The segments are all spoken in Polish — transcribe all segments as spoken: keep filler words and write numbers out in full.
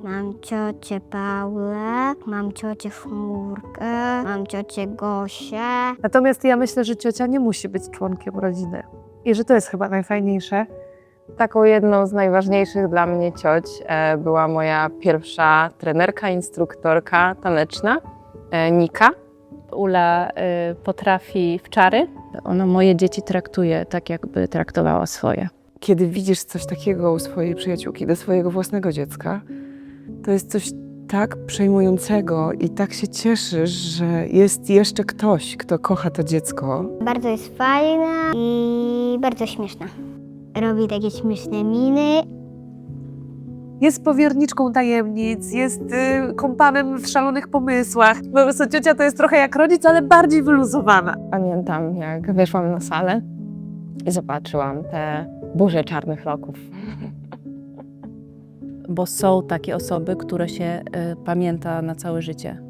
Mam ciocię Paulę, mam ciocię Chmurkę, mam ciocię Gosię. Natomiast ja myślę, że ciocia nie musi być członkiem rodziny i że to jest chyba najfajniejsze. Taką jedną z najważniejszych dla mnie cioć e, była moja pierwsza trenerka, instruktorka taneczna, e, Nika. Ula y, potrafi w czary. Ona moje dzieci traktuje tak, jakby traktowała swoje. Kiedy widzisz coś takiego u swojej przyjaciółki, do swojego własnego dziecka, to jest coś tak przejmującego i tak się cieszysz, że jest jeszcze ktoś, kto kocha to dziecko. Bardzo jest fajna i bardzo śmieszna. Robi takie śmieszne miny. Jest powierniczką tajemnic, jest y, kompanem w szalonych pomysłach. Po prostu ciocia to jest trochę jak rodzic, ale bardziej wyluzowana. Pamiętam, jak weszłam na salę i zobaczyłam te burze czarnych loków. Bo są takie osoby, które się y, pamięta na całe życie.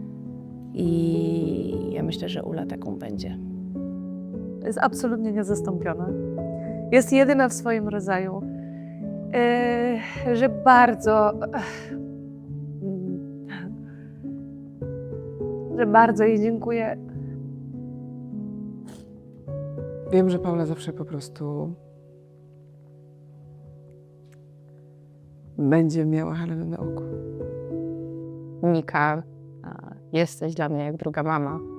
I ja myślę, że Ula taką będzie. Jest absolutnie niezastąpiona. Jest jedyna w swoim rodzaju. Yy, że bardzo, że bardzo jej dziękuję. Wiem, że Paula zawsze po prostu będzie miała Helenę na oku. Nika, a, jesteś dla mnie jak druga mama.